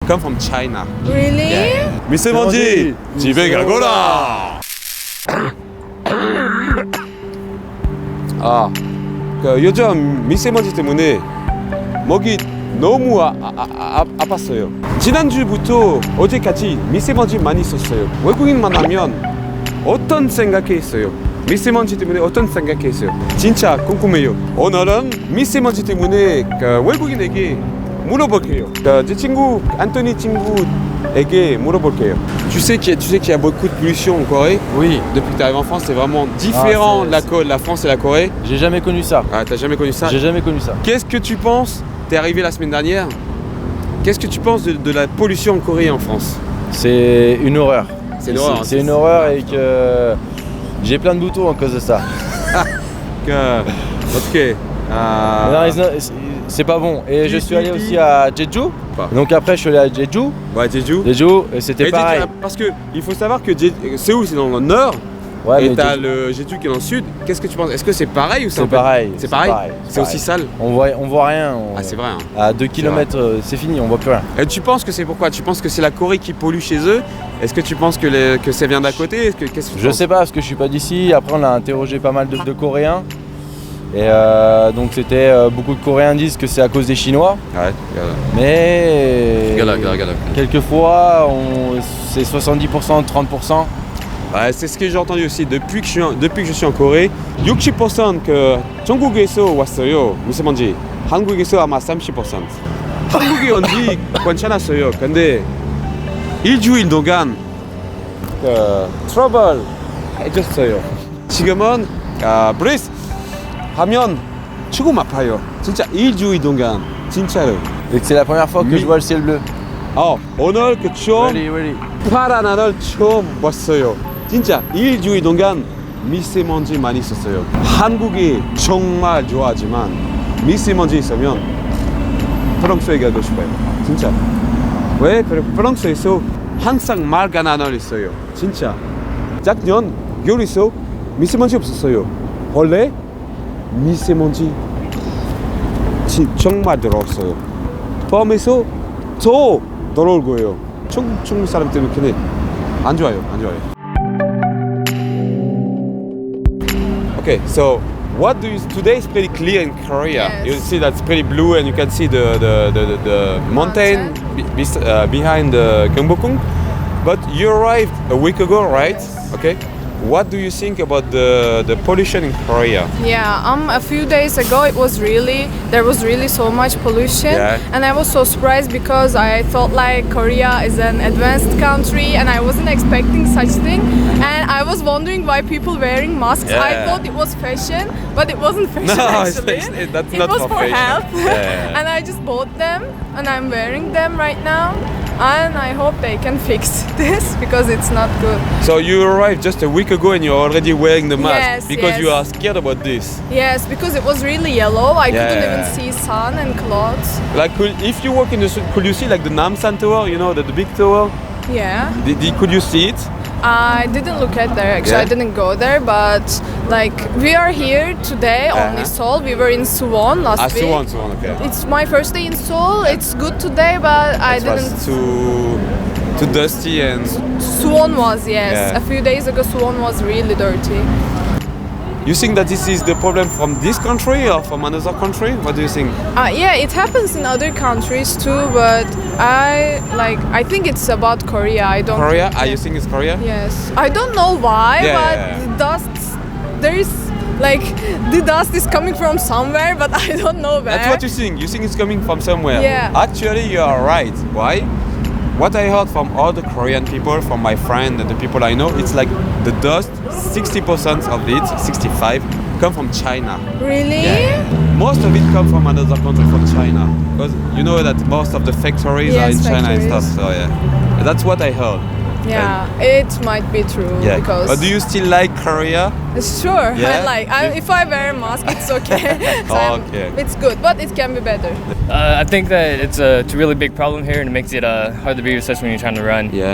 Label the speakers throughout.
Speaker 1: come from China.
Speaker 2: Really?
Speaker 1: 미세먼지 집에 가거라. 요즘 미세먼지 때문에 목이 너무 아팠어요. 지난주부터 어제까지 미세먼지 많이 있었어요. 외국인 만나면 어떤 생각했어요? 미세먼지 때문에 어떤 생각했어요? 진짜 궁금해요. 오늘은 미세먼지 때문에 외국인에게 물어볼게요. 제 친구 안토니 친구에게 물어볼게요. Tu sais qu'il y a beaucoup de pollution en Corée.
Speaker 3: Oui.
Speaker 1: Depuis que tu arrives en France, c'est vraiment différent la France et la Corée.
Speaker 3: J'ai jamais connu ça.
Speaker 1: Ah, t'as jamais connu ça?
Speaker 3: J'ai jamais connu ça.
Speaker 1: Qu'est-ce que tu penses? T'es arrivé la semaine dernière. Qu'est-ce que tu penses de la pollution en Corée et en France?
Speaker 3: C'est une horreur.
Speaker 1: C'est une horreur.
Speaker 3: C'est une horreur et que j'ai plein de boutons à cause de ça.
Speaker 1: Ok.
Speaker 3: Non, c'est pas bon. Et je suis allé aussi à Jeju. Donc après, je suis allé à Jeju.
Speaker 1: Ouais, Jeju.
Speaker 3: Jeju, et c'était pareil.
Speaker 1: Parce que il faut savoir que Séoul c'est dans le nord.
Speaker 3: Ouais,
Speaker 1: et
Speaker 3: mais
Speaker 1: t'as le Jeju qui est dans le sud. Qu'est-ce que tu penses? Est-ce que c'est pareil ou
Speaker 3: c'est pareil.
Speaker 1: C'est pareil. C'est aussi sale.
Speaker 3: On voit rien.
Speaker 1: Ah, c'est vrai. Hein.
Speaker 3: À 2 km, c'est fini, on voit plus rien.
Speaker 1: Et tu penses que c'est pourquoi? Tu penses que c'est la Corée qui pollue chez eux? Est-ce que tu penses que ça vient d'à côté? Qu'est-ce que tu
Speaker 3: Je
Speaker 1: penses?
Speaker 3: sais pas parce que je suis pas d'ici. Après, on a interrogé pas mal de Coréens. Et donc c'était beaucoup de Coréens disent que c'est à cause des Chinois.
Speaker 1: Ouais,
Speaker 3: mais
Speaker 1: regarde.
Speaker 3: quelquefois c'est 70%, 30%.
Speaker 1: Ouais, c'est ce que j'ai entendu aussi depuis que je suis en Corée. 60% 그 중국에서 왔어요. 미세먼지. 한국에서 아마 30%. 한국에 온 지 괜찮았어요. 근데 일주일 동안 트러블 해줬어요. 지금은 브레스 하면 조금 아파요. 진짜 일주일 동안 진짜로.
Speaker 3: Et que c'est la première fois que je vois le ciel bleu.
Speaker 1: 오늘 그 처음
Speaker 3: Really.
Speaker 1: 파란 하늘 처음 봤어요. 진짜 일주일 동안 미세먼지 많이 있었어요. 한국이 정말 좋아하지만 미세먼지 있으면 프랑스에 가고 싶어요. 진짜. 왜? 프랑스에서 항상 맑은 하늘 있어요. 진짜. 작년 겨울에서 미세먼지 없었어요. 원래 미세먼지 정말 더러웠어요. 밤에서 더 더러울 거예요. 중국 사람 때문에 그냥 안 좋아요. Okay, so what do you? Today is pretty clear in Korea.
Speaker 2: Yes.
Speaker 1: You see that's pretty blue, and you can see the mountain behind the Gyeongbokgung. But you arrived a week ago, right?
Speaker 2: Yes.
Speaker 1: Okay. What do you think about the pollution in Korea?
Speaker 2: Yeah, a few days ago there was really so much pollution,
Speaker 1: Yeah.
Speaker 2: and I was so surprised because I thought like Korea is an advanced country and I wasn't expecting such thing, and I was wondering why people wearing masks.
Speaker 1: Yeah.
Speaker 2: I thought it was fashion, but it wasn't fashion
Speaker 1: No,
Speaker 2: actually.
Speaker 1: that's
Speaker 2: it
Speaker 1: not
Speaker 2: was
Speaker 1: for
Speaker 2: for
Speaker 1: fashion.
Speaker 2: health,
Speaker 1: Yeah.
Speaker 2: and I just bought them and I'm wearing them right now. And I hope they can fix this because it's not good.
Speaker 1: So you arrived just a week ago, and you're already wearing the mask
Speaker 2: Yes,
Speaker 1: because
Speaker 2: yes.
Speaker 1: you are scared about this.
Speaker 2: Yes, because it was really yellow. I couldn't
Speaker 1: Yeah.
Speaker 2: even see sun and clouds.
Speaker 1: Like, if you walk in the street, could you see like the Namsan Tower? You know, the big tower.
Speaker 2: Yeah.
Speaker 1: Could you see it?
Speaker 2: I didn't look at there actually.
Speaker 1: Yeah?
Speaker 2: I didn't go there, but like we are here today only Seoul. We were in Suwon last week.
Speaker 1: Suwon, okay.
Speaker 2: It's my first day in Seoul. It's good today, but I
Speaker 1: It was
Speaker 2: didn't.
Speaker 1: too dusty and.
Speaker 2: Suwon was, yes.
Speaker 1: Yeah.
Speaker 2: A few days ago, Suwon was really dirty.
Speaker 1: You think that this is the problem from this country or from another country? What do you think?
Speaker 2: Yeah, it happens in other countries too, but I think it's about Korea. I don't.
Speaker 1: Korea?
Speaker 2: think-
Speaker 1: You think it's Korea?
Speaker 2: Yes. I don't know why,
Speaker 1: Yeah,
Speaker 2: but
Speaker 1: yeah, yeah.
Speaker 2: the dust, there is like the dust is coming from somewhere, but I don't know where.
Speaker 1: That's what you think. You think it's coming from somewhere.
Speaker 2: Yeah.
Speaker 1: Actually, you are right. Why? What I heard from all the Korean people, from my friend and the people I know, it's like the dust, 60% of it, 65, come from China.
Speaker 2: Really?
Speaker 1: Most of it come from another country, from China. Because you know that most of the factories are in
Speaker 2: Yes,
Speaker 1: China and
Speaker 2: factories.
Speaker 1: stuff. So yeah, that's what I heard.
Speaker 2: Yeah, it might be true
Speaker 1: Yeah.
Speaker 2: because.
Speaker 1: But do you still like Korea?
Speaker 2: Sure,
Speaker 1: Yeah?
Speaker 2: if I wear a mask, it's okay.
Speaker 1: Okay.
Speaker 2: It's good, but it can be better.
Speaker 4: I think that it's a really big problem here, and it makes it hard to breathe, especially when you're trying to run.
Speaker 1: Yeah.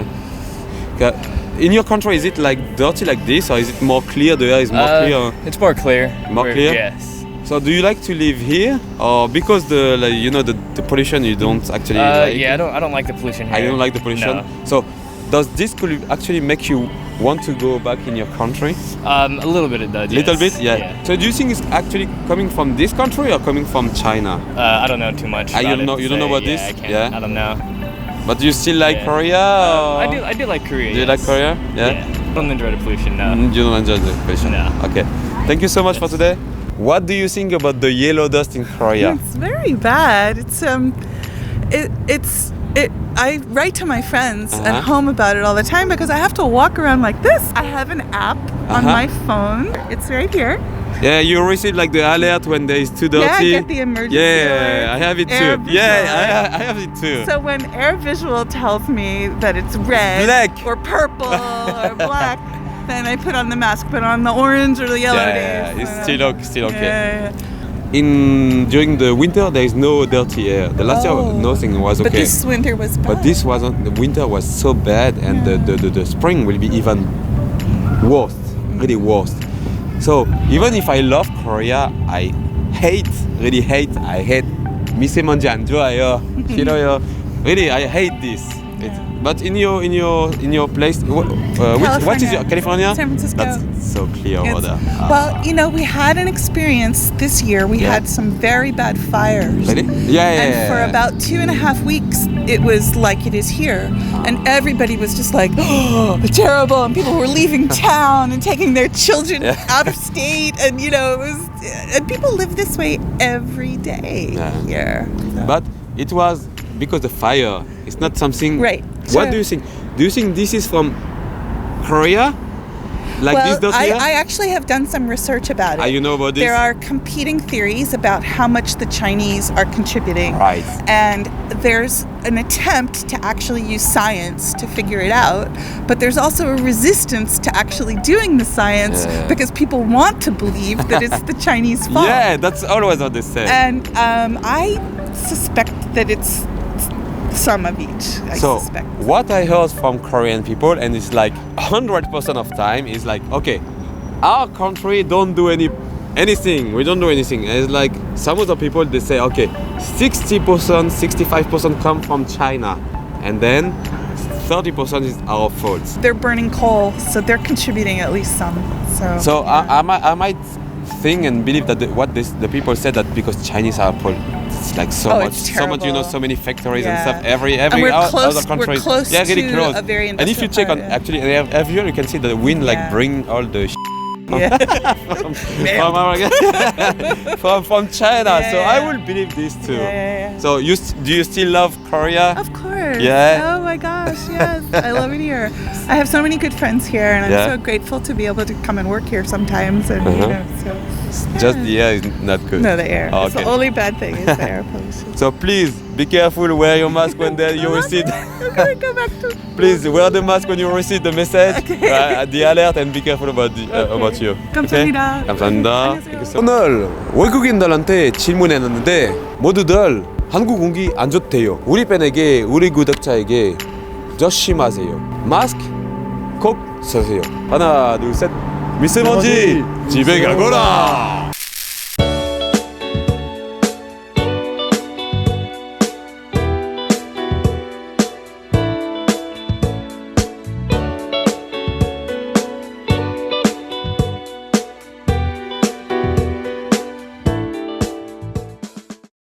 Speaker 1: In your country, is it like dirty like this, or is it more clear? The air is more clear.
Speaker 4: It's more clear.
Speaker 1: More clear?
Speaker 4: Yes.
Speaker 1: So do you like to live here, or because the the pollution you don't actually like?
Speaker 4: Yeah, I don't like the pollution here.
Speaker 1: I don't like the pollution.
Speaker 4: No.
Speaker 1: So does this could actually make you want to go back in your country?
Speaker 4: A little bit it does.
Speaker 1: Little
Speaker 4: yes.
Speaker 1: bit, yeah. So do you think it's actually coming from this country or coming from China?
Speaker 4: I don't know too much.
Speaker 1: Ah, you
Speaker 4: about
Speaker 1: don't know-
Speaker 4: it
Speaker 1: you
Speaker 4: to
Speaker 1: don't know
Speaker 4: say.
Speaker 1: about
Speaker 4: Yeah,
Speaker 1: this?
Speaker 4: I can't.
Speaker 1: Yeah.
Speaker 4: I don't know.
Speaker 1: But do you still like
Speaker 4: Yeah.
Speaker 1: Korea? Or?
Speaker 4: I do like Korea.
Speaker 1: Do you
Speaker 4: yes.
Speaker 1: like Korea?
Speaker 4: Yeah. I don't enjoy the pollution. No.
Speaker 1: You don't enjoy the pollution?
Speaker 4: No.
Speaker 1: Okay. Thank you so much for today. What do you think about the yellow dust in Korea?
Speaker 5: It's very bad. I write to my friends
Speaker 1: Uh-huh.
Speaker 5: at home about it all the time because I have to walk around like this. I have an app on
Speaker 1: Uh-huh.
Speaker 5: my phone. It's right here.
Speaker 1: Yeah, you receive like the alert when there is too dirty.
Speaker 5: Yeah, I get the emergency alert.
Speaker 1: I have it
Speaker 5: Air
Speaker 1: too.
Speaker 5: visual
Speaker 1: Yeah,
Speaker 5: alert.
Speaker 1: I have it too.
Speaker 5: So when Air Visual tells me that it's red
Speaker 1: Black.
Speaker 5: or purple or black, then I put on the mask. But on the orange or the yellow
Speaker 1: yeah,
Speaker 5: days,
Speaker 1: it's still okay.
Speaker 5: Yeah.
Speaker 1: During the winter there is no dirty air. The last year nothing was okay.
Speaker 5: But this winter was bad.
Speaker 1: But this wasn't. The winter was so bad, and the spring will be even worse, really worse. So even if I love Korea, I hate 미세먼지 안 좋아요. 싫어요. Really, I hate this. But in your place, what is your California?
Speaker 5: San Francisco.
Speaker 1: That's so clear over there.
Speaker 5: Well, we had an experience this year. We
Speaker 1: Yeah.
Speaker 5: had some very bad fires.
Speaker 1: Really? Yeah.
Speaker 5: And for about 2.5 weeks, it was like it is here. And everybody was just like, oh, terrible. And people were leaving town and taking their children
Speaker 1: Yeah.
Speaker 5: out of state. And, it was, and people live this way every day
Speaker 1: Yeah.
Speaker 5: here. So.
Speaker 1: But it was because the fire. It's not something.
Speaker 5: Right.
Speaker 1: What
Speaker 5: Sure.
Speaker 1: do you think? Do you think this is from Korea? Like
Speaker 5: well,
Speaker 1: this dirty air?
Speaker 5: I actually have done some research about it.
Speaker 1: You know about this?
Speaker 5: There are competing theories about how much the Chinese are contributing.
Speaker 1: Right.
Speaker 5: And there's an attempt to actually use science to figure it out, but there's also a resistance to actually doing the science
Speaker 1: Yeah.
Speaker 5: because people want to believe that it's the Chinese fault.
Speaker 1: Yeah, that's always what they say.
Speaker 5: And I suspect that it's some of each. I
Speaker 1: So
Speaker 5: suspect.
Speaker 1: what I heard from Korean people, and it's like 100% of time, is like, okay, our country don't do anything. We don't do anything. And it's like some of the people they say, okay, 60%, 65% come from China, and then 30% is our fault.
Speaker 5: They're burning coal, so they're contributing at least some.
Speaker 1: So I might think and believe that the people said that because Chinese are it's like so
Speaker 5: Oh,
Speaker 1: much,
Speaker 5: it's
Speaker 1: so much,
Speaker 5: terrible.
Speaker 1: so many factories and
Speaker 5: Yeah.
Speaker 1: stuff. Every
Speaker 5: And we're close-
Speaker 1: other countries,
Speaker 5: we're close
Speaker 1: really
Speaker 5: to
Speaker 1: close.
Speaker 5: a very
Speaker 1: and if you
Speaker 5: industrial
Speaker 1: check on
Speaker 5: part, yeah.
Speaker 1: actually every year you can see that the wind like
Speaker 5: Yeah.
Speaker 1: bring all the
Speaker 5: Yeah.
Speaker 1: from China.
Speaker 5: Yeah,
Speaker 1: so
Speaker 5: yeah.
Speaker 1: I will believe this too.
Speaker 5: Yeah.
Speaker 1: So do you still love Korea?
Speaker 5: Of course.
Speaker 1: Yeah.
Speaker 5: Oh my gosh, yes. I love it here. I have so many good friends here, and I'm
Speaker 1: Yeah.
Speaker 5: so grateful to be able to come and work here sometimes. And so
Speaker 1: Just the air is not good.
Speaker 5: no, the air.
Speaker 1: Oh,
Speaker 5: It's the
Speaker 1: okay.
Speaker 5: only bad thing is the air pollution.
Speaker 1: So please be careful. Wear your mask when you receive.
Speaker 5: I'm gonna go back to.
Speaker 1: Please wear the mask when you receive the message, the alert, and be careful about you.
Speaker 5: 감사합니다.
Speaker 1: 감사합니다.
Speaker 5: 안녕하세요.
Speaker 1: 오늘 외국인들한테 질문했는데 모두들 한국 공기 안 좋대요. 우리 팬에게, 우리 구독자에게 조심하세요. 마스크 꼭 쓰세요. 하나, 둘, 셋. 미세먼지 집에 가거라.